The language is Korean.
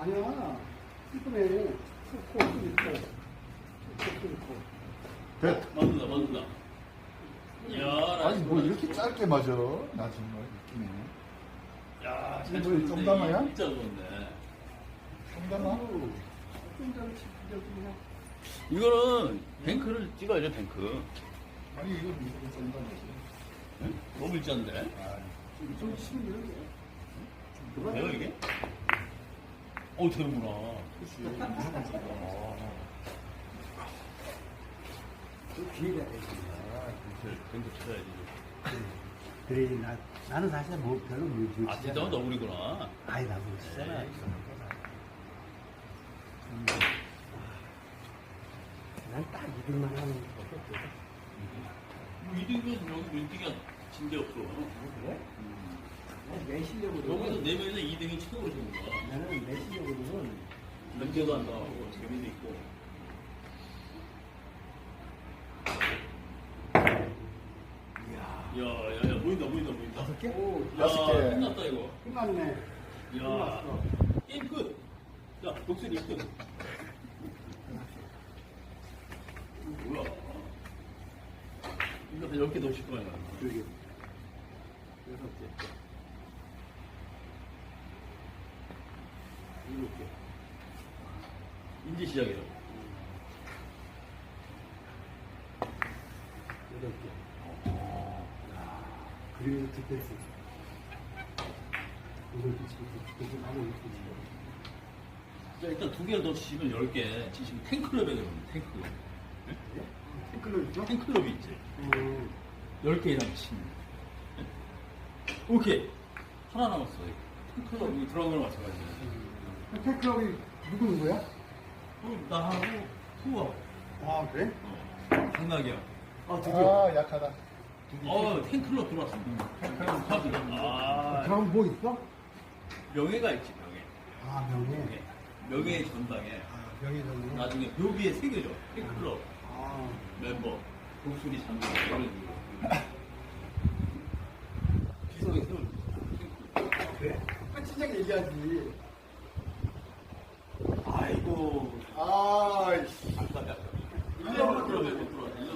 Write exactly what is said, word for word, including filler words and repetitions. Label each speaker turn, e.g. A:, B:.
A: 아니야. 이쁘네. 코, 코, 있고. 코, 있고.
B: 됐.
C: 맞는다, 맞는다. 이야,
B: 아니 뭐 이렇게 짧게 맞아? 나 정말 웃기네.
C: 야,
B: 이거 뭐 정담화야?
C: 진짜 좋은데.
B: 정담아?
A: 좀 전에 치즈적이나.
C: 이거는 뱅크를 찍어야죠, 뱅크.
B: 아니 이거 무슨 정담이지?
C: 응? 너무 일자인데?
B: 아,
A: 좀 치면 이런데.
C: 돼요, 이게? 어, 되는구나.
B: 그렇지. 무조건 정담아.
A: 좀 기회가 되지.
C: 뱅크 쳐야지.
A: 그래, 나, 나는 사실 뭐 별로 못
C: 아, 진짜 너구리구나.
A: 아이, 나도 치잖아.
C: 에이.
A: 난 딱 이들만 하는 거.
C: 이등은 여기 인기가 진짜 없어.
A: 그래? 내 실력으로.
C: 여기서 네 명에서 이 등이 최고로 좋은 거야.
A: 나는 내 실력으로는
C: 연계도 안 나오고 재미도 있고. 야, 야, 야, 보인다, 보인다, 보인다.
A: 다섯 개? 오,
C: 야,
B: 다섯 개.
C: 끝났다 이거.
A: 끝났네.
C: 야,
A: 끝났어.
C: 게임 끝. 야, 독수리 끝. 뭐야? 이거 한 열 개 넣으실 거야.
A: 그러게.
C: 여섯 개. 일곱 개. 이제 시작이에요.
A: 여덟 개. 그리고 디펜스. 이걸 뒤치고 디펜스 하고 이렇게 치고.
C: 자, 일단 두 개를 더 치시면 열 개 치시면 탱클럽에 들어갑니다. 탱클럽.
A: 탱클로 있죠?
C: 탱클럽이 있지.
A: 음.
C: 열 개 이상 치면. 오케이. 하나 남았어요. 탱클럽이 들어간 거랑 마찬가지예요.
A: 탱클럽이 누구 누구야?
C: 그럼 나하고 후하고.
A: 아, 그래?
C: 어. 강락이야.
A: 아, 드디어.
B: 아 약하다.
C: 어, 탱클럽 들어왔습니다. 탱클럽 카드. 아,
A: 그럼 뭐 있어?
C: 명예가 있지, 명예.
A: 아, 명예.
C: 명예. 명예의 전당에
A: 아, 명예 정도.
C: 나중에 묘비에 새겨져. 탱클럽
A: 아,
C: 멤버. 독수리 장군. 이런 식으로. 비석에 세워줘.
A: 그래? 끝이자게 얘기하지.
C: 아이고.
B: 아이씨.